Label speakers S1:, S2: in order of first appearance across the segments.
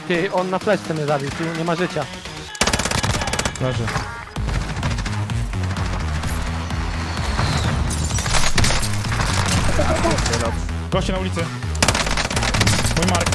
S1: Ty, on na fleszce mnie zabił, tu nie ma życia.
S2: Leży. Goście na ulicy. Mój Mark.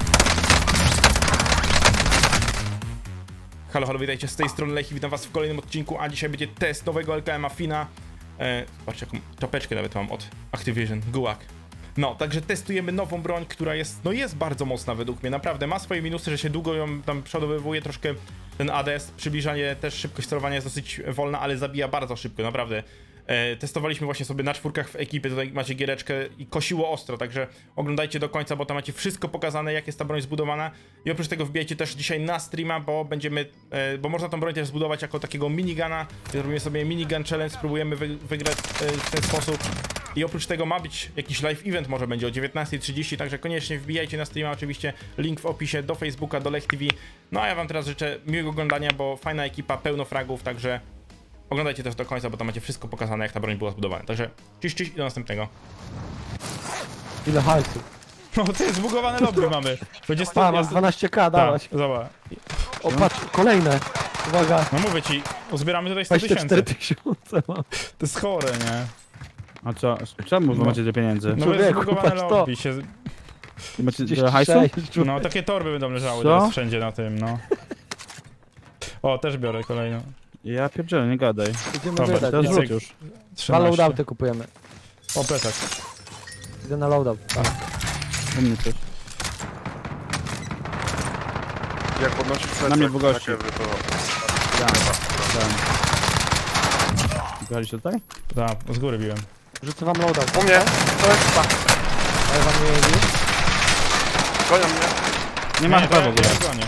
S2: Halo, halo, witajcie, z tej strony Lechi, witam was w kolejnym odcinku, a dzisiaj będzie test nowego LKM-a Fina. Zobaczcie, jaką czapeczkę nawet mam od Activision, Gulag. No, także testujemy nową broń, która jest, no jest bardzo mocna według mnie, naprawdę. Ma swoje minusy, że się długo ją tam przodowywuje, troszkę ten ADS, przybliżanie, też szybkość sterowania jest dosyć wolna, ale zabija bardzo szybko, naprawdę. Testowaliśmy właśnie sobie na czwórkach w ekipie, tutaj macie giereczkę i kosiło ostro, także oglądajcie do końca, bo tam macie wszystko pokazane, jak jest ta broń zbudowana. I oprócz tego wbijajcie też dzisiaj na streama, bo będziemy, bo można tą broń też zbudować jako takiego minigana. Zrobimy sobie minigun challenge, spróbujemy wygrać w ten sposób. I oprócz tego ma być jakiś live event, może będzie o 19:30, także koniecznie wbijajcie na streama, oczywiście link w opisie do Facebooka, do Lech TV. No a ja wam teraz życzę miłego oglądania, bo fajna ekipa, pełno fragów, także oglądajcie też do końca, bo tam macie wszystko pokazane, jak ta broń była zbudowana. Także ciś i do następnego.
S1: Ile hajsu.
S2: No to jest zbugowane lobby mamy. Będzie
S1: A, masz 12k, dałaś.
S2: Zobacz.
S1: O, patrz, kolejne. Uwaga,
S2: No mówię ci, uzbieramy tutaj 100
S1: 24
S2: tysięcy.
S1: tysiące mam.
S2: To jest chore, nie?
S3: A co? Czemu wy macie tyle pieniędzy?
S2: No bo jest
S1: Człowieku,
S2: zbugowane
S1: patrz to.
S2: lobby się...
S3: Macie tyle hajsu?
S1: 36,
S2: No takie torby będą leżały
S3: Co?
S2: teraz wszędzie na tym, no. O, też biorę kolejną.
S3: Ja pierdzielę, nie gadaj.
S1: Idziemy
S2: Dobra,
S1: wydać.
S3: Teraz
S2: nie?
S3: rzuć już.
S1: Dwa
S2: 13.
S1: loadouty kupujemy.
S2: O, plecak.
S1: Idę na loadout. Tak.
S3: U mnie coś.
S4: Jak podnosisz plecak,
S3: Na mnie w gości.
S4: to...
S3: Byliście tutaj?
S2: Tak, z góry biłem.
S1: Rzucę wam loadout.
S4: U mnie! To jest tak.
S1: Ale wam nie jeździ.
S4: Gonią mnie.
S3: Nie ma chyba w ogóle.
S2: Ja gonię.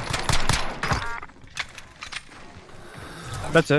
S3: Plecy.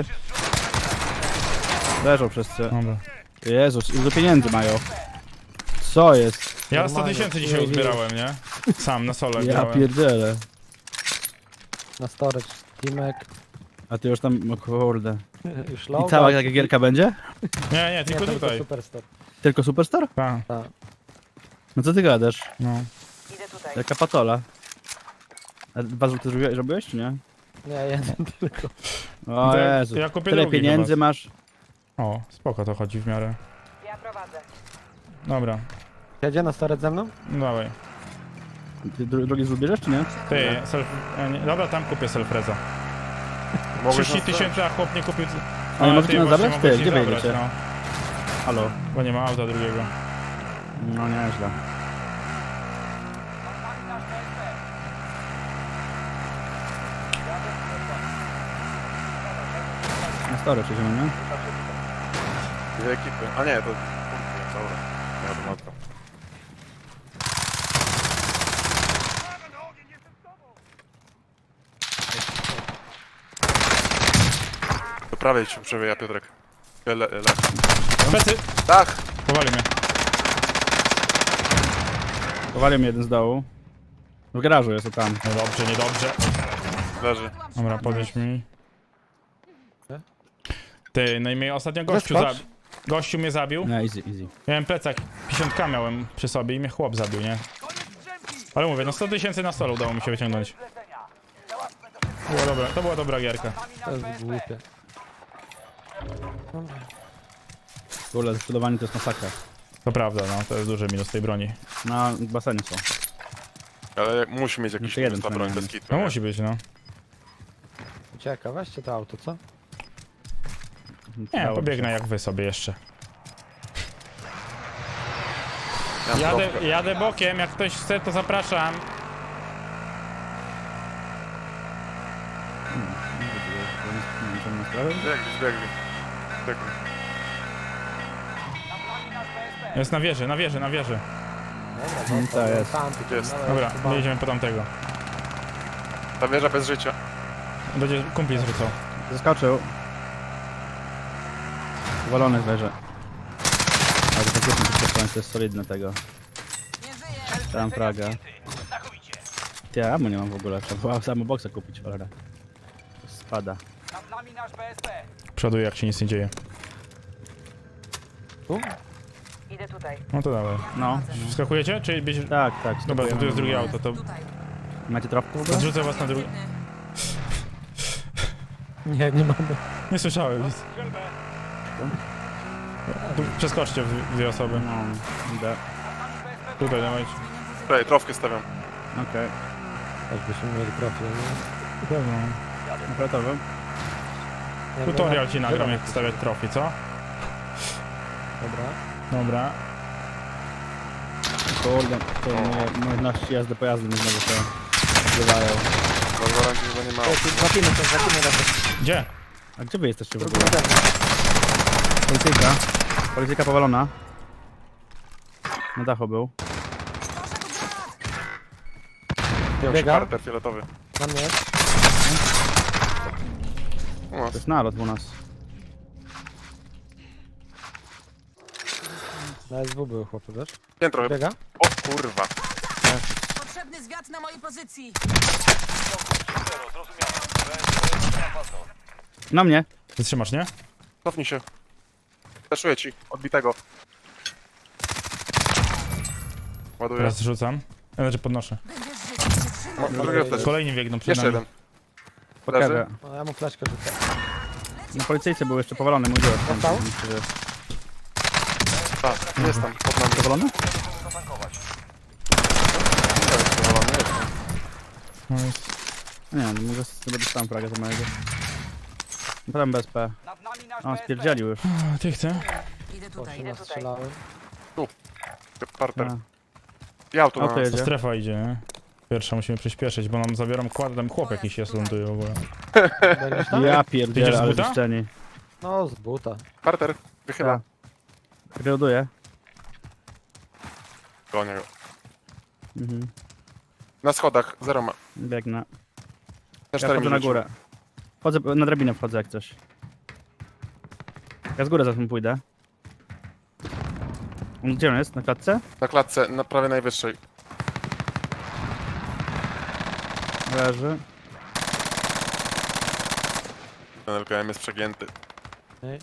S3: Leżą wszyscy.
S2: Dobra.
S3: Jezus, ile pieniędzy mają. Co jest?
S2: Ja 100
S1: Normalnie.
S2: tysięcy dzisiaj uzbierałem, nie? Sam, na solo
S3: Ja
S2: grałem.
S3: pierdzielę.
S1: Na storage. Timek.
S3: A ty już tam, o kurde.
S1: Już
S3: I
S1: loadout.
S3: cała taka gierka będzie?
S2: Nie,
S1: Nie,
S2: tylko
S1: to
S2: tutaj.
S1: Superstar.
S3: Tylko Superstar?
S2: Tak,
S1: Tak.
S3: No co ty gadasz?
S2: no.
S3: Jaka patola. A dwa złote zrobiłeś, czy nie?
S1: Nie, jeden tylko.
S3: O
S2: To
S3: Jezu.
S2: ja kupię
S3: Tyle
S2: drugi
S3: pieniędzy
S2: chyba.
S3: masz.
S2: O, spoko to chodzi w miarę.
S5: Ja prowadzę.
S2: Dobra,
S1: Jedzie na storage ze mną?
S2: no dawaj.
S3: Ty drugi zrzut bierzesz, czy nie?
S2: Ty, dobra, tam kupię selfreza. 30 tysięcy, a chłop nie kupił...
S3: Ale możecie
S2: ty
S3: nas
S2: właśnie
S3: zabrać?
S2: mogłeś
S3: Ty,
S2: nie
S3: gdzie
S2: zabrać,
S3: wyjedziecie?
S2: no.
S3: Halo.
S2: Bo nie ma auta drugiego.
S3: No nieźle. Na stare przejdziemy, nie?
S4: Dwie ekipy. A nie, to... Dobra. Ja to matko. Do prawej ci przewija, Piotrek.
S2: Plecy!
S4: Tak!
S2: Powali mnie.
S3: Powalił mnie jeden z dołu. W garażu jest, o tam.
S2: Niedobrze, niedobrze.
S4: Leży.
S2: Dobra, podnieś mi. Ty, no i mnie ostatnio gościu
S1: Zeskocz.
S2: Gościu mnie zabił.
S3: No, easy, easy.
S2: Miałem plecak, 50k miałem przy sobie i mnie chłop zabił, nie? Ale mówię, no 100 tysięcy na stole udało mi się wyciągnąć. To była dobra gierka.
S1: To jest głupie.
S3: W ogóle sprzedawanie to jest masakra.
S2: To prawda, no, to jest duży minus tej broni.
S3: Na basenie są.
S4: Ale musi mieć jakiś
S3: Jeszcze jeden
S4: ta broń bez
S3: przynajmniej.
S4: kitu.
S2: No
S4: nie?
S2: musi być, no.
S1: Ucieka, weźcie to auto, co?
S2: Nie,
S3: Dało
S2: pobiegnę
S3: się.
S2: jak wy sobie jeszcze.
S4: Ja mam kropkę.
S2: Jadę bokiem, jak ktoś chce, to zapraszam.
S4: Biegli.
S2: Jest na wieży, na wieży, na wieży.
S1: Dobra,
S3: to jest.
S1: Tam,
S4: Gdzie jest?
S2: Dobra, my jedziemy po tamtego.
S4: Ta wieża bez życia.
S2: Będzie kumpli zrzucał.
S3: Zaskoczył. Walony zwierzę. Ale to faktycznie to jest solidne tego. Tam fraga. Ja ammo nie mam w ogóle, trzeba było samo boksa kupić, cholera. Spada.
S5: Nad nami nasz BSP.
S2: Przoduję, jak się nic nie dzieje.
S1: Tu?
S5: Idę tutaj.
S2: No to dawaj.
S3: No.
S2: Wskakujecie? Czy będzie...
S3: Tak, tak.
S2: Dobra, to tu jest drugie auto, to...
S3: Macie tropkę w ogóle?
S2: Zrzucę was na drugą.
S1: Nie, nie mamy.
S2: Nie słyszałem nic. Tu przeskoczcie w dwie osoby.
S3: No, idę.
S2: Tutaj dawajcie.
S4: Tutaj, trofkę stawiam.
S3: Okej.
S1: Aż byśmy mieli profil, nie?
S2: Pewno.
S3: Gotowy?
S1: Nie,
S2: Tutorial ci nagram,
S1: wygramy.
S2: jak stawiać trofi, co?
S1: Dobra.
S2: Dobra.
S3: Kurde, to moje umiejętności jazdy pojazdem mi znowu się odbywają.
S4: Na gwarancji chyba nie ma.
S1: Złapimy razem.
S2: Gdzie?
S3: A gdzie wy jesteście w ogóle?
S1: Drugi zewnątrz.
S3: Policyjka. Policyjka powalona. Na dachu był.
S1: Biega.
S4: Parter fioletowy.
S1: Na mnie jest.
S4: U nas.
S3: To jest nalot u nas.
S1: Na SW były chłopy, wiesz?
S4: Piętro.
S1: Biega.
S4: O kurwa.
S6: Potrzebny zwiat na mojej pozycji.
S3: Na mnie.
S2: Wytrzymasz, nie?
S4: Cofnij się. Teszuję ci. Odbitego. Ładuję.
S2: Teraz rzucam. Znaczy podnoszę.
S6: Będziesz żyć.
S4: Drugie flash.
S2: Kolejni biegną przed
S4: Jeszcze
S2: nami.
S4: jeden.
S3: Pokażę.
S1: No, ja mu flaszkę rzucę.
S3: Na policyjce był jeszcze powalony mój dziurek.
S1: Dostał?
S4: Tak, jest tam. Pod nami.
S3: Powalony?
S4: Jest powalony, jest tam.
S2: No jest.
S3: Nie, no może sobie dostałem fragę za mojego. Potem BSP.
S5: Nad nami nasz
S3: O,
S5: BSP.
S3: spierdzielił już.
S2: A, ty chcę?
S6: Idę tutaj.
S1: Boże, strzelałem.
S4: Parter.
S3: A,
S4: I auto na
S3: Auto
S4: nas.
S3: jedzie.
S2: Strefa idzie, nie? Pierwsza musimy przyspieszyć, bo nam zabieram kład, tam chłop jakiś jest, ląduje w ogóle.
S1: Będziesz tam?
S3: Ja
S2: Idziesz
S3: pierdzielę,
S2: z
S3: ale
S2: buta?
S3: zniszczeni.
S1: No, z buta.
S4: Parter. Wychyla.
S3: Reloaduję.
S4: Gonię go.
S3: Mhm.
S4: Na schodach. Zero ma.
S3: Biegnę.
S4: Na
S3: Ja
S4: 4
S3: wchodzę na górę. Wchodzę, na drabinę wchodzę jak coś. Ja z góry zatem pójdę. Gdzie on jest? Na klatce?
S4: Na klatce, na prawie najwyższej.
S3: Leży.
S4: Ten LKM jest przegięty.
S1: Ej.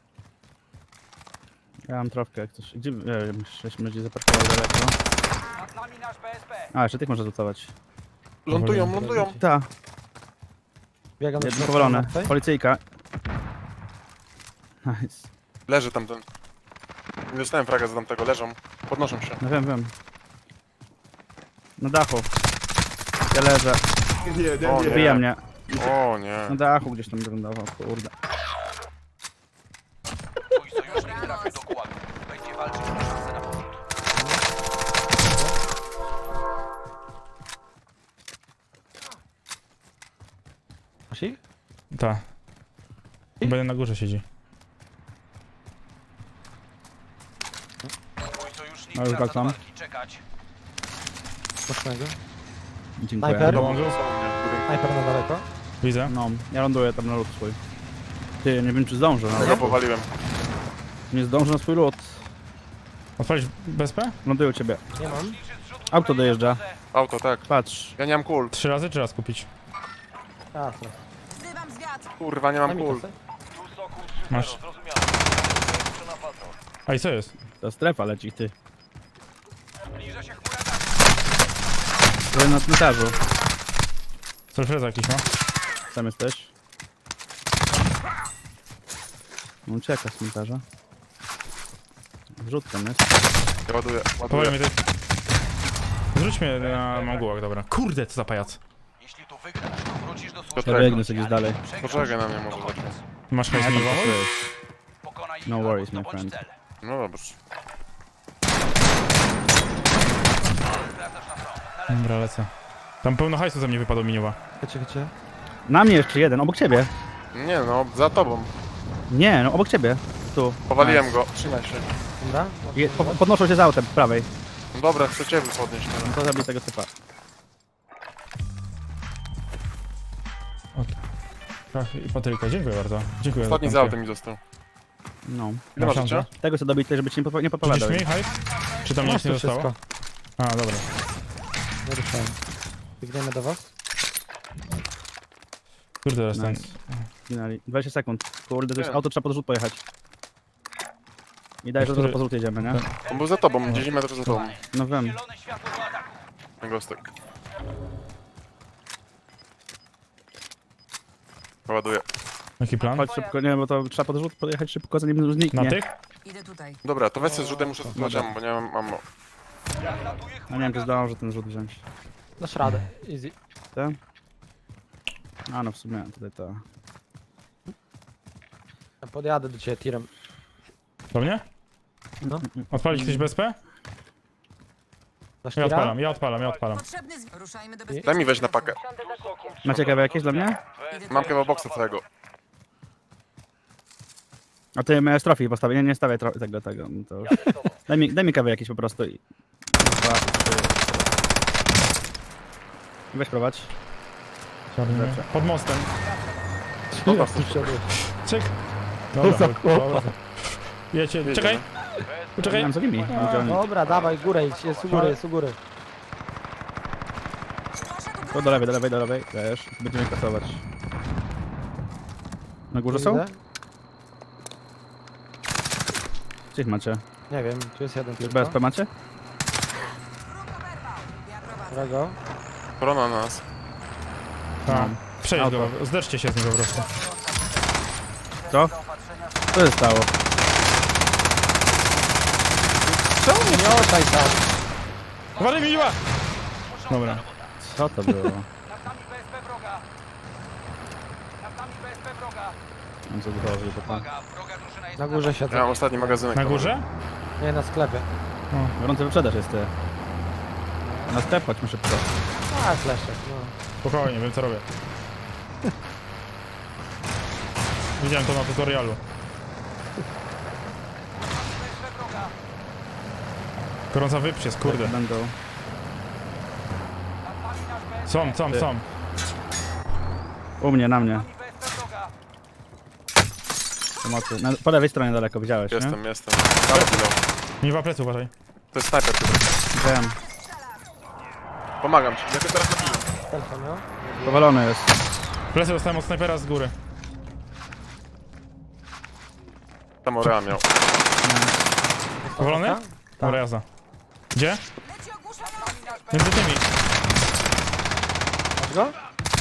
S3: Ja mam trawkę jak coś. Gdzie? Myśmy gdzieś zaparkowali daleko.
S5: Nad nami nasz BSP.
S3: A, jeszcze tych można rzutować.
S4: Lądują, lądują.
S3: Ta,
S1: Biega na
S3: jeden
S1: środku
S3: powalony.
S1: martwej.
S3: Policyjka. Nice.
S4: Leży tamten. Nie dostałem fraga za tamtego, leżą. Podnoszą się.
S3: No wiem. Na dachu. Ja leżę.
S4: O
S3: Wbija
S4: nie.
S3: mnie.
S4: O nie.
S3: Na dachu gdzieś tam wyglądało, kurde.
S5: Twój sojusznik trafił do gułagu. Będzie walczyć o szansę na powrót.
S1: Masz ich?
S2: Ta. Będę na górze siedzi.
S5: Twój sojusznik
S3: No już
S5: wraca do
S3: wracam.
S5: walki. Czekać.
S1: Mocnego.
S3: Dziękuję.
S1: Snajper?
S2: Dołączył?
S1: Snajper na daleko.
S2: Widzę.
S3: No, ja ląduję tam na lód swój. Ty, nie wiem czy zdążę,
S4: Tego
S3: no.
S4: powaliłem.
S3: Nie zdążę na swój lód.
S2: Odpalić BSP?
S3: Ląduję u ciebie.
S1: Nie mam.
S3: Auto dojeżdża.
S4: Auto, tak.
S3: Patrz.
S4: Ja nie mam kul.
S2: 3 razy czy raz kupić?
S1: Jasne.
S6: Wzywam zwiat.
S4: Kurwa, nie
S1: Daj
S4: mam
S1: mi
S4: kul.
S1: kasę.
S2: Masz. A i co jest?
S3: Ta strefa leci, ty.
S5: Zbliża się chmura.
S3: Byłem na cmentarzu.
S2: Surfreza jakiś ma?
S3: Tam jesteś. On ucieka z cmentarza. Wrzut tam jest.
S4: Ja ładuję,
S2: Powoli
S4: ładuję.
S2: mnie ty... Zrzuć mnie na Mongołak, dobra. Kurde, co za pajac.
S5: Jeśli tu wygrasz, to wrócisz do
S3: Ja
S5: służby.
S3: biegnę sobie gdzieś dalej.
S4: Poczekaj na mnie może zacznie.
S2: Masz hajs
S3: Ja
S2: mi
S3: tam
S2: wolno?
S3: pracuję.
S5: Pokonaj ich
S3: No
S5: albo
S3: worries, my
S5: zdobądź
S3: friend.
S5: cel.
S4: No dobrze.
S5: Wracasz na front.
S2: Dobra, lecę. Tam pełno hajsu ze mnie wypadło miniowa.
S1: Chodźcie.
S3: Na mnie jeszcze jeden, obok ciebie.
S4: Nie no, za tobą.
S3: Nie, no obok ciebie. Tu.
S4: Powaliłem go. Trzymaj się.
S1: Dobra?
S3: Podnoszą się z autem, po prawej.
S4: No dobra, chcę ciebie podnieść teraz.
S3: No to zabij tego typa.
S2: I Patryka, dziękuję bardzo. Dziękuję
S4: Ostatni z
S2: za
S4: autem mi został.
S3: No.
S4: Ile masz
S2: Masz
S4: życia?
S3: Tego co dobić, żeby ci nie podpowiadał.
S2: Widzisz mi hajs? Czy tam
S1: Masz
S2: nic nie
S1: to
S2: zostało?
S1: wszystko.
S2: A, dobra.
S1: Nie ruszałem. Biegniemy do was.
S2: Kurde, teraz ten...
S3: Nice. Zginęli. 20 sekund. Kurde, to jest
S4: Wiem.
S3: auto, trzeba pod rzut pojechać. I daj, że
S2: Który-
S3: po rzut jedziemy, nie?
S4: On był za tobą, 10 metrów za tobą.
S3: No wiem.
S5: Zielone światło do ataku.
S4: Ten gostek. Ładuję.
S2: Jaki plan?
S3: Chodź szybko, nie, bo to trzeba podjechać szybko, zanim zniknie.
S2: Na tych?
S6: Idę tutaj.
S4: Dobra, to weź sobie zrzutem, muszę zatrzymać ammo, bo nie mam ammo.
S3: No nie wiem, czy zdążę ten rzut wziąć.
S1: Dasz radę. Easy.
S3: Ten? A no w sumie tutaj to...
S1: Ja podjadę do ciebie tirem.
S2: Do mnie?
S1: No.
S2: Odpalić ktoś BSP?
S1: Dasz
S2: Ja
S1: tira?
S2: odpalam.
S6: Potrzebny Ruszajmy do
S4: Daj
S6: bezpiecznego
S4: mi weź na pakę.
S3: Macie kawę jakieś dla mnie?
S6: Idę
S4: Mam
S6: tutaj.
S4: kebab boxa całego.
S3: A ty miałeś trofii postawić, nie stawiaj tego, no to już. Daj mi kawę jakieś po prostu i... 2, 3... Weź prowadź. Dobrze.
S2: Pod mostem.
S1: Ja tu wszedłem.
S2: Cyk.
S1: za
S2: Dobra. Jecie, czekaj.
S3: Nie
S2: Poczekaj.
S3: mam za nimi. Gdzie oni?
S1: Dobra, dawaj, górę idź. Jest u góry, jest u góry.
S3: To do lewej, wiesz, będziemy kasować. Na górze są?
S1: Widzę?
S3: Gdzie ich macie?
S1: Nie wiem, tu jest jeden
S3: Już
S1: tylko.
S3: BSP macie?
S6: Ja prowadzę.
S1: Którego?
S4: Korona na nas.
S2: Tam. Przejdź
S3: Auto.
S2: go, zderzcie się z nim po prostu.
S3: Co? Co się stało?
S1: Czemu mnie nie oczaj tam?
S2: Uważaj, miła! Dobra.
S3: Co to było? Mam zadrożył, bo tam...
S1: Na górze
S4: Ja
S1: siedzę.
S4: mam ostatni magazynek.
S2: Na górze?
S1: Nie, na sklepie.
S3: Gorący wyprzedaż jest ty. Na sklep chodźmy szybko.
S1: A, fleszek, no.
S2: Spokojnie, wiem co robię. Widziałem to na tutorialu. Gorąca wyprzez, kurde.
S3: Będą...
S2: Są.
S3: U mnie, na mnie. Pomocy. Po lewej stronie daleko, widziałeś, nie?
S4: Jestem. Dobra, chwilę.
S2: Miwa plecy, uważaj.
S4: To jest snajper tutaj.
S3: Wiem.
S4: Pomagam ci. Ja go teraz nabiję.
S1: Telefon miał?
S3: Powalony jest.
S2: Plecy dostałem od snajpera z góry.
S4: Tam Orea miał.
S2: Powolony?
S1: Tak.
S2: Dobra, jazda. Gdzie?
S6: Leci ogłuszający.
S2: Między tymi.
S1: Masz go?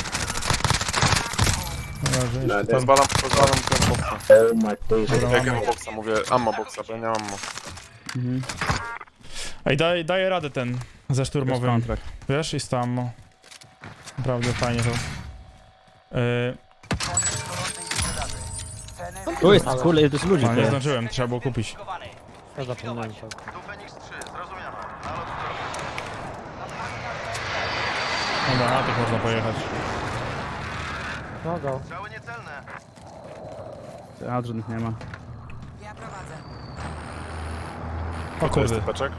S2: Dobra, że jeszcze tam.
S4: Pozwalam ten boxa.
S2: Dobra,
S4: Jakiego
S2: mamy.
S4: boxa? Mówię ammo boxa, bo ja nie mam ammo.
S3: Mhm.
S2: Ej, daję radę ten ze
S3: Jest
S2: szturmowym.
S3: kontrakt.
S2: Wiesz, jest tam. Naprawdę fajnie to.
S3: Tu jest, kurde, tu jest ludzi,
S2: A nie
S3: ty.
S2: zdążyłem, trzeba było kupić.
S1: Ja zapomniałem to.
S2: Dobra, na tych można pojechać.
S1: No go.
S3: A, żadnych nie ma.
S6: Ja prowadzę.
S2: O
S4: To jest
S2: kurde.
S4: typeczek.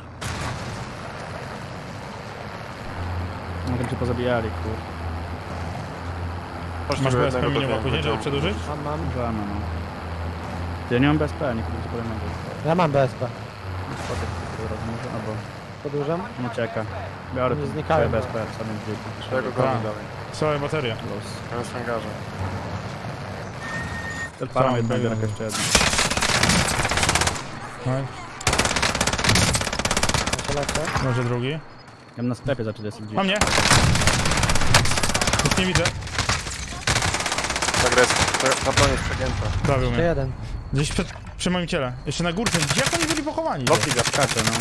S3: No tam się pozabijali, kurde.
S4: Chodź
S2: Masz
S4: tego
S2: BSP
S4: jednego
S2: minimum
S4: do
S2: później, żeby przedłużyć?
S1: Mam.
S3: Żadne, no. Ty, ja nie mam BSP, nie kupię kolejnego.
S1: Ja mam BSP.
S3: Spotek, może, albo
S1: Podłużam?
S3: nie czeka. Biorę
S1: Nie
S3: tu
S1: znikają,
S3: swoje
S1: no.
S3: BSP, samym
S4: Ja
S3: dźwięku.
S4: go gonię
S2: Tak.
S4: dalej.
S2: Całe baterie.
S3: Los.
S4: Ja jest w hangarze.
S3: Odpalam
S2: Sam
S3: jednego,
S2: biegam.
S3: jeszcze jedno.
S2: No,
S1: Ja się lecę.
S2: może drugi.
S3: Ja bym na sklepie zaczął jest gdzieś.
S2: Mam mnie! Nic nie widzę.
S4: Tak jest. Ta broń jest przegięta.
S2: Zabił
S1: Jeszcze
S2: mnie.
S1: jeden.
S2: Gdzieś przy moim ciele. Jeszcze na górce. Jak oni byli pochowani?
S4: Loki wiatr.
S3: Skacze, no.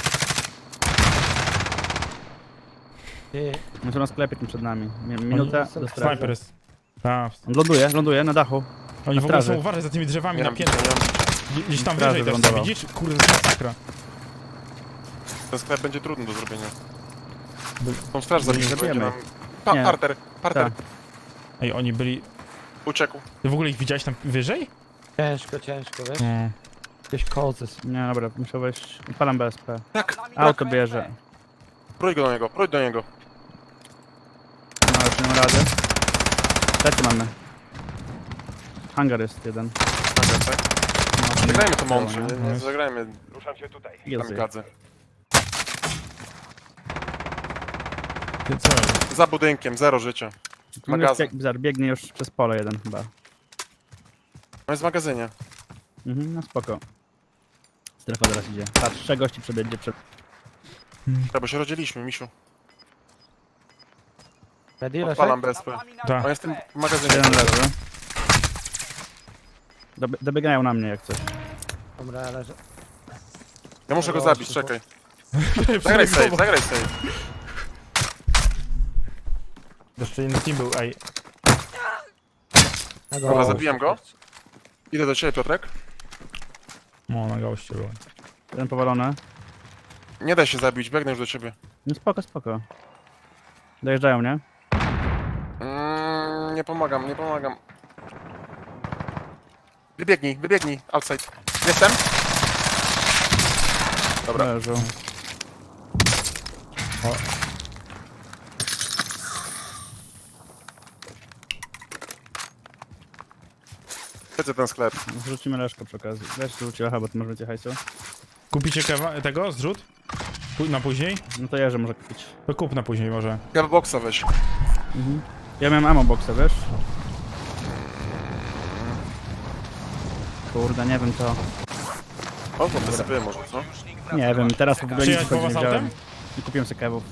S1: Ty.
S3: My są na sklepie tym przed nami. Minutę do strefy.
S2: Snajper jest. Tak.
S3: On ląduje na dachu.
S2: Oni
S3: Na
S2: w ogóle
S3: straży.
S2: są uważać za tymi drzewami
S4: Nie
S2: na
S4: mam
S2: piętrze.
S4: bicia, nie mam bicia.
S2: Gdzieś tam
S3: Straży
S2: wyżej też są,
S3: wylądował.
S2: widzisz? Kurde, to jest masakra.
S4: Ten sklep będzie trudny do zrobienia. Tą straż zabiliśmy, będzie
S3: zabijemy
S4: nam...
S3: Nie.
S4: Parter.
S3: Tak.
S2: Ej, oni byli...
S4: Uciekł.
S2: Ty w ogóle ich widziałeś tam wyżej?
S1: Ciężko, wiesz?
S2: No.
S1: Jakieś kozy.
S3: Nie, dobra, muszę wejść. Odpalam BSP.
S4: Tak.
S3: Auto bierze.
S4: Prójdź do niego.
S3: No, już nie ma rady. Trzeci mamy. Hangar jest jeden.
S4: Hangar, tak?
S3: No,
S4: Zagrajmy to mądrze,
S3: nie?
S4: nie zagrajmy
S3: Jest.
S4: kamikadze.
S2: Ty co jest?
S4: Za budynkiem, 0 życia. Magazyn.
S3: Biegnie już przez pole jeden chyba.
S4: On jest w magazynie.
S3: Mhm, no spoko. Strefa zaraz idzie. Patrz, 3 gości przebiegnie przed...
S4: Tak, bo się rodziliśmy, misiu.
S1: Ready,
S4: Odpalam
S1: Leszek?
S4: BSP.
S2: Tak.
S4: On jest w tym magazynie.
S3: Jeden leży. Dobiegają na mnie jak coś.
S1: Dobra, leżę.
S4: Ja muszę go
S1: Dobra,
S4: zabić,
S1: szybko.
S4: czekaj. Zagraj save, zagraj save.
S2: Jeszcze inny team był, ej.
S1: Ja
S4: Dobra,
S1: go-
S4: zabiłem go. Idę do ciebie, Piotrek.
S2: No, na goście było.
S3: Jeden powalony.
S4: Nie da się zabić, biegnę już do ciebie.
S3: No spoko, spoko. Dojeżdżają, nie?
S4: Nie pomagam, nie pomagam. Wybiegnij, outside. Jestem? Dobra.
S3: Leżą.
S4: Chcę ten sklep.
S3: Zrzucimy Leszko przy okazji. Weź zrzuci Lecha, bo ty masz więcej hajsu.
S2: Kupicie tego, zrzut? Na później?
S3: No to Jerzy może kupić.
S2: To kup na później może.
S4: Ja boxa weź.
S3: Ja miałem ammo boxa, wiesz? Kurde, nie wiem to.
S4: O, to wysypię może, co?
S3: Nie wiem, teraz w ogóle nic
S2: Przyjechać po
S3: nie
S2: was
S3: widziałem.
S2: autem?
S3: Nie kupiłem sobie kewów.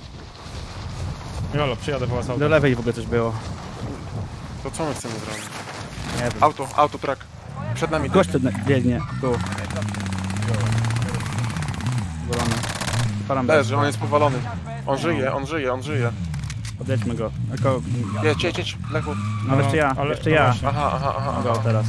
S2: Jolo, przyjadę po was
S3: Do
S2: autem.
S3: lewej w ogóle coś było.
S4: To co my chcemy zrobić?
S3: Nie wiem.
S4: Auto, track. Przed nami.
S3: Gość biegnie, tu. Golony. Param
S4: Leży, on jest powalony. On żyje.
S3: Podjedźmy go. Jako...
S4: Jedź, Lechu.
S3: No jeszcze ja,
S2: ale-
S3: jeszcze
S2: no
S3: ja.
S2: właśnie.
S4: Aha.
S3: Go teraz.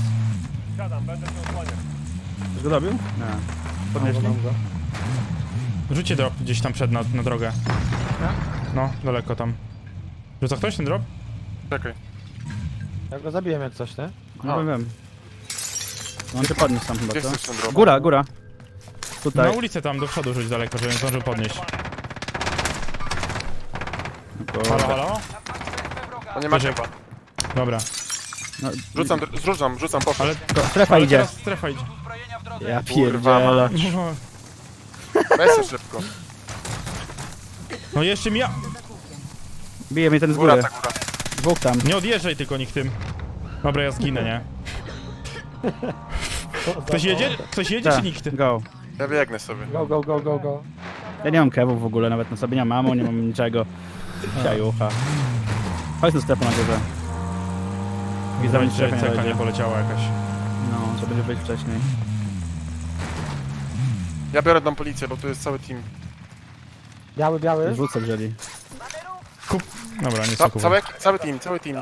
S3: Już go dobił? Nie. Podnieśli?
S1: Mam go.
S2: Rzućcie drop gdzieś tam przed na drogę. No, daleko tam. Rzuca ktoś ten drop?
S4: Czekaj.
S1: Ja go zabiłem jak coś, nie?
S3: No wiem. No on cię podniósł tam chyba,
S4: Gdzie
S3: co?
S4: chcesz ten drop?
S3: Góra.
S2: Na
S3: Tutaj.
S2: ulicę tam do przodu rzuć daleko, żebym zdążył podnieść.
S3: Kurde.
S2: Halo?
S4: On nie ma
S2: Wyżej.
S4: chyba.
S2: Dobra.
S3: No,
S4: Rzucam, poszedł.
S2: Ale,
S3: strefa
S2: ale
S3: idzie.
S2: teraz strefa idzie.
S3: Ja
S4: Kurwa
S3: pierdzielę.
S4: Weź się szybko.
S2: No jeszcze mi ja...
S3: Bije mnie ten z
S4: Góra,
S3: góry.
S4: ta góra.
S3: Dwóch tam.
S2: Nie odjeżdżaj tylko nikt tym. Dobra, ja zginę, nie? Ktoś jedzie? Ktoś jedzie czy
S3: Tak,
S2: nikt?
S3: go.
S4: Ja biegnę sobie.
S1: Go.
S3: Ja nie mam kewów w ogóle, nawet na sobie nie mam ammo, nie mam niczego. Siajucha. Chodź na strefę na górze. Widzę, że
S2: Że
S3: strefa nie
S2: cecha nie
S3: dojdzie.
S2: poleciała jakaś.
S3: No, to będzie być wcześniej.
S4: Ja biorę tam policję, bo tu jest cały team.
S1: Biały.
S3: Rzucę wzięli.
S2: Kup... Dobra, nie soku.
S4: Cały team.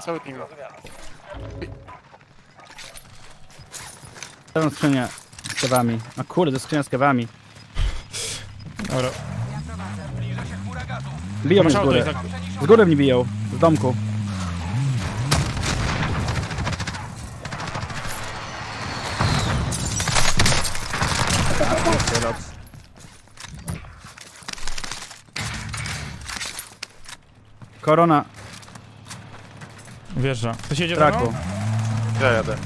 S3: Tę skrzynię z kewami. A kurde, to skrzynia z kewami.
S2: Dobra.
S3: Biją mnie
S2: Masz
S3: z
S2: auto i
S3: góry.
S2: tak...
S3: Z góry mnie biją. Z domku. Korona
S2: Wjeżdża. Ktoś jedzie
S3: w
S2: za
S3: traku.
S2: mną?
S4: Ja jadę.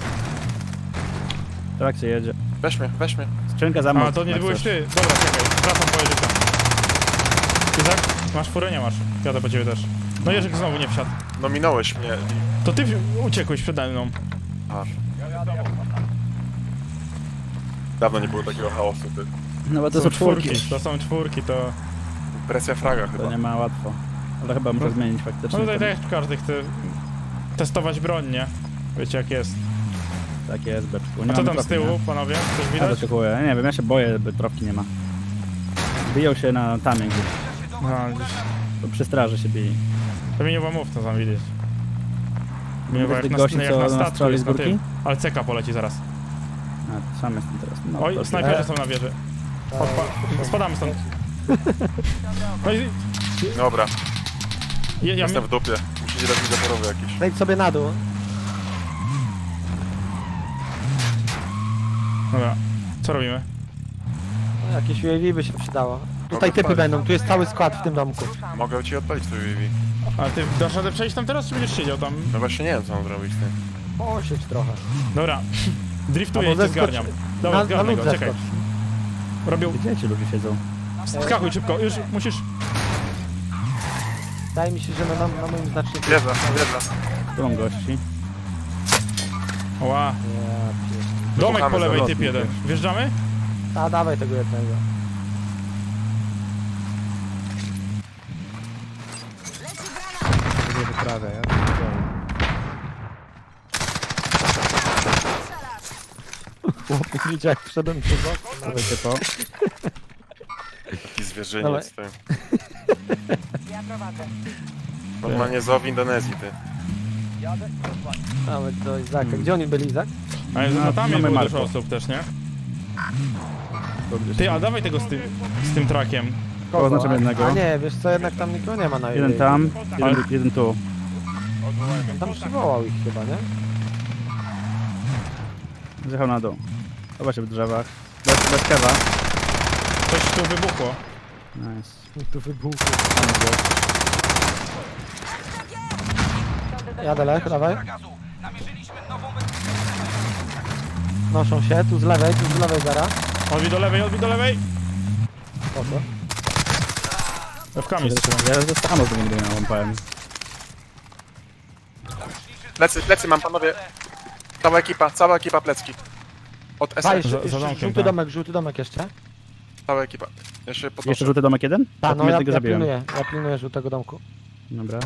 S3: Trak się jedzie.
S4: Weź mnie.
S3: Skrzynka za mną.
S2: A, to nie
S3: jak
S2: byłeś
S3: chcesz.
S2: ty. Dobra, czekaj. Wracam po Jerzyka. Izak, masz furę? Nie masz. Jadę po ciebie też. No Jerzyk znowu nie wsiadł.
S4: No minąłeś mnie.
S2: To ty uciekłeś przede mną.
S4: Dawno nie było takiego chaosu, ty.
S3: No bo to są czwórki.
S2: To są czwórki, to...
S4: Presja fraga
S3: To
S4: chyba.
S3: nie ma łatwo. Ale chyba muszę zmienić
S2: No
S3: faktycznie.
S2: tutaj
S3: ten-
S2: też każdy chce testować broń, nie? Wiecie jak jest.
S3: Tak jest, beczku. Nie
S2: A co
S3: mamy
S2: tam z
S3: trofki,
S2: tyłu,
S3: nie?
S2: panowie? Coś
S3: Ja
S2: widać?
S3: wyczekuję. Nie wiem, ja się boję, by trofki nie ma. Biją się na tamie gdzieś.
S2: No, gdzieś...
S3: To przy straży się bili.
S2: To mi nie było mów, to tam widzieć. Mi
S3: Wiesz
S2: jak
S3: tych
S2: na,
S3: gości,
S2: jak
S3: co
S2: na
S3: nas
S2: statku
S3: strzeli
S2: jest
S3: z
S2: na
S3: górki?
S2: tym. Ale CK poleci zaraz.
S3: A, sam jestem teraz. No,
S2: Oj,
S3: to-
S2: snajperzy są na wieży. Spadamy stąd. No i...
S4: Dobra,
S2: Ja
S4: jestem w dupie. Musicie dać mi zaporowy jakiś.
S1: Wejdź sobie na dół.
S2: Dobra, co robimy?
S1: No, jakieś UAV by się przydało. Tutaj typy
S4: odpalić.
S1: będą, tu jest cały skład w tym domku.
S4: Mogę ci odpalić to UAV.
S2: Ale ty dasz radę przejść tam teraz, czy będziesz siedział tam?
S4: No właśnie nie wiem co mam zrobić, ty.
S1: Osiedź trochę.
S2: Dobra, driftuję i
S1: Albo
S2: cię
S1: zeskocz.
S2: zgarniam. Dobra,
S1: Na
S2: zgarnę
S1: lód
S2: go, czekaj.
S1: zeskocz.
S2: Robią...
S3: Gdzie ci ludzie siedzą?
S2: Skakuj szybko, już musisz...
S1: Wydaje mi się, że na moim znaczniku...
S4: Wjeżdża.
S3: Tu mam gości.
S2: Ła,
S1: Ja pier-
S2: domek po
S4: Słuchamy
S2: lewej,
S3: za
S2: typ
S3: lotnik,
S2: jeden. Wjeżdżamy?
S1: A, dawaj tego jednego.
S3: Nie wyprawia, ja.
S1: Chłopie, widzicie jak wszedłem przez okno.
S3: Dawajcie to.
S4: Taki zwierzyniec, ty.
S6: Ja prowadzę.
S4: Normalnie zoo w Indonezji, ty.
S1: Nawet do Izaka. Gdzie oni byli, Izak?
S2: Ale
S3: No,
S2: no, tam jest
S3: mamy
S2: było dużo
S3: Marko.
S2: osób też, nie?
S3: To gdzieś-
S2: Ty, a dawaj tego z tym trakiem.
S3: Oznaczam jednego.
S1: A nie, wiesz co, jednak tam nikogo nie ma na
S3: Jeden tam, jeden tu.
S1: On tam przywołał ich chyba, nie?
S3: Zjechał na dół. Zobaczcie w drzewach. Bez kewa.
S2: Coś tu wybuchło.
S3: Nice.
S1: Tu wybuchł. Jadę Lech, dawaj.
S5: gazu. Namierzyliśmy nową
S1: Noszą się, tu z lewej zara.
S2: Odbij do lewej, odbij do lewej.
S1: Po co?
S2: F-kami strzelam.
S3: Ja zostaną z tym miałem, powiem.
S4: Plecy mam, panowie. Cała ekipa plecki. Od
S1: Pa,
S4: SR,
S1: jeszcze,
S2: za domkiem,
S1: żółty domek jeszcze.
S4: cała ekipa. Jeszcze podnoszę.
S3: Jeszcze żółty domek jeden?
S1: Ta, no ja
S3: jednego zabiłem.
S1: pilnuję żółtego domku.
S3: Dobra.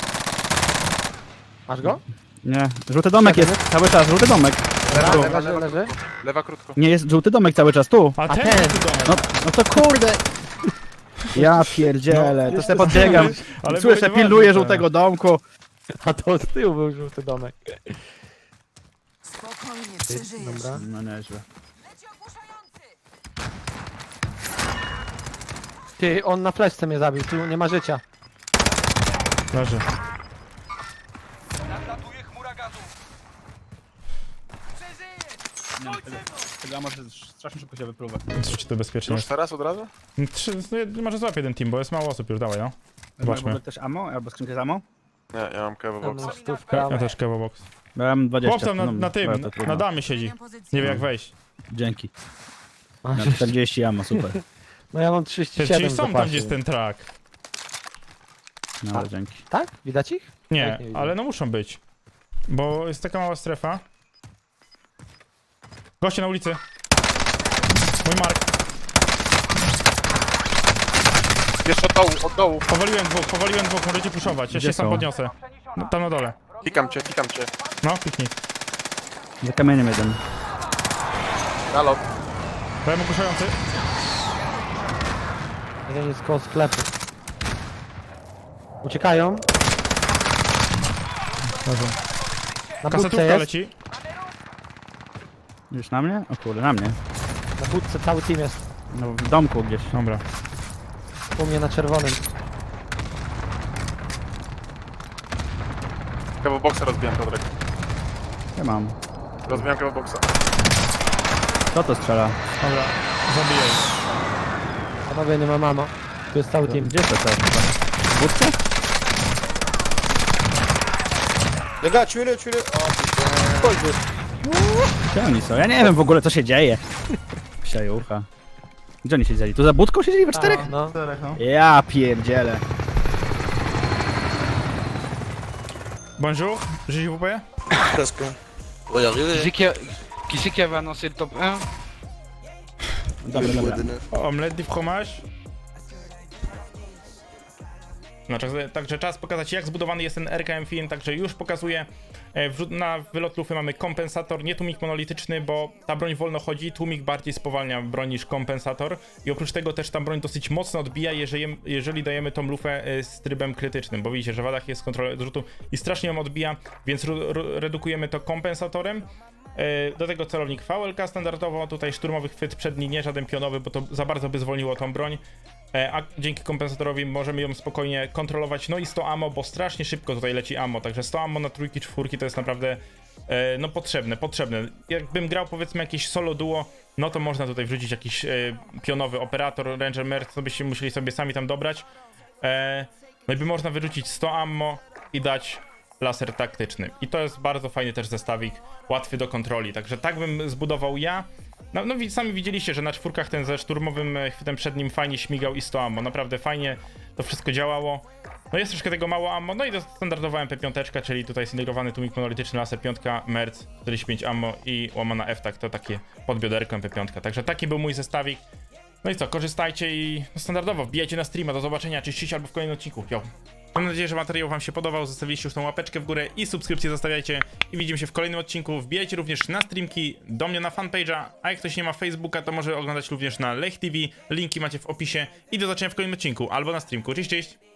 S1: Masz go?
S3: Nie, żółty domek jest cały czas, żółty domek.
S1: Leży.
S4: Lewa krótko.
S3: Nie, jest żółty domek cały czas, tu.
S2: A
S1: A
S2: ten,
S1: ten.
S2: jest tu domek.
S3: No to kurde. Ja pierdzielę, to sobie podbiegam.
S2: Ale
S3: Słyszę,
S2: były
S3: pilnuję
S2: ważne.
S3: żółtego domku.
S1: A to z tyłu był żółty domek.
S6: Spokojnie, przeżyjesz.
S1: Dobra.
S3: No nieźle.
S6: Leci ogłuszający!
S1: Ty, on na fleszce mnie zabił, tu nie ma życia.
S2: Leży.
S5: nadlatuje chmura gazu.
S3: Tego może strasznie szybko się wypluwa.
S2: Zrzuć to bezpiecznie.
S4: Już teraz od razu?
S2: Może złap jeden team, bo jest mało osób już, dawaj no. Zobaczmy.
S3: też ammo? Albo skrzynkę z ammo?
S4: Nie, ja mam kewo
S1: Tam
S4: boxa.
S1: stówka.
S2: Ja też kewo box.
S3: Bo ja mam 20.
S2: Chłop tam
S3: no,
S2: na tym,
S3: to trudno.
S2: na damie siedzi.
S6: Zmieniam pozycję.
S2: Nie wie jak wejść.
S3: Dzięki.
S1: Masz
S3: Na 40 ammo, super.
S1: No ja mam
S2: Czyli
S1: 37 w
S2: są tam
S1: zapasie.
S2: gdzieś ten track.
S3: No ale dzięki.
S1: Tak? Widać ich?
S2: Nie,
S1: Tak, nie widzę.
S2: ale no muszą być. Bo jest taka mała strefa. Goście na ulicy. Mój Mark.
S4: Jeszcze od dołu.
S2: Powaliłem dwóch, możecie puszować. Ja
S3: Gdzie
S2: się sam
S3: są?
S2: podniosę. No, tam na dole.
S4: Kikam cię.
S2: No, piknij.
S3: Za kamieniem jeden.
S4: Nalot.
S2: Dałem ogłuszający.
S1: Jeden jest koło sklepu. Uciekają. Na budce
S2: Kasetówka
S1: jest.
S2: leci.
S3: Już na mnie? O kurde, na mnie.
S1: Na budce cały team jest.
S3: No w domku gdzieś.
S2: Dobra.
S1: U mnie na czerwonym.
S4: Kewo boxa rozbijam, Piotrek.
S3: Ja mam.
S4: Rozbijam kewo boxa.
S3: Kto to strzela?
S2: Dobra. Zabijaj.
S1: Panowie, nie ma mamo. Tu jest cały team.
S3: Gdzie to teraz? W budce? Gdzie oni są? Ja nie wiem w ogóle co się dzieje. Psiajucha. Gdzie oni siedzieli? Tu za budką siedzieli we czterech?
S1: No.
S3: Ja pierdzielę.
S2: Bonjour, JWP.
S7: Qui c'est qui avait annoncé le top 1?
S3: Dobra, dobra.
S2: Omelette du fromage. No, także czas pokazać, jak zbudowany jest ten RKM film, także już pokazuję. Na wylot lufy mamy kompensator, nie tłumik monolityczny, bo ta broń wolno chodzi, tłumik bardziej spowalnia broń niż kompensator i oprócz tego też ta broń dosyć mocno odbija, jeżeli dajemy tą lufę z trybem krytycznym, bo widzicie, że w wadach jest kontrola odrzutu i strasznie ją odbija, więc redukujemy to kompensatorem. Do tego celownik VLK standardowo, tutaj szturmowy chwyt przedni, nie żaden pionowy, bo to za bardzo by zwolniło tą broń, a dzięki kompensatorowi możemy ją spokojnie kontrolować. No i 100 ammo, bo strasznie szybko tutaj leci ammo, także 100 ammo na trójki, czwórki to jest naprawdę no potrzebne. Jakbym grał powiedzmy jakieś solo duo, no to można tutaj wrzucić jakiś pionowy operator, ranger merc, to byście musieli sobie sami tam dobrać. No i by można wyrzucić 100 ammo i dać laser taktyczny. I to jest bardzo fajny też zestawik, łatwy do kontroli. Także tak bym zbudował ja. No sami widzieliście, że na czwórkach ten ze szturmowym chwytem przednim fajnie śmigał i 100 ammo. Naprawdę fajnie to wszystko działało. No jest troszkę tego mało ammo, no i to standardowa MP5, czyli tutaj zintegrowany tłumik monolityczny, laser 5, merc, 45 ammo i łamana F-tak, to takie podbioderko MP5. Także taki był mój zestawik. No i co, korzystajcie i standardowo wbijajcie na streama. Do zobaczenia, cześć albo w kolejnym odcinku. Yo. Mam nadzieję, że materiał wam się podobał. Zostawiliście już tą łapeczkę w górę i subskrypcję zostawiajcie. I widzimy się w kolejnym odcinku. Wbijajcie również na streamki, do mnie na fanpage'a. A jak ktoś nie ma Facebooka, to może oglądać również na Lech TV. Linki macie w opisie. I do zobaczenia w kolejnym odcinku albo na streamku. Cześć, cześć!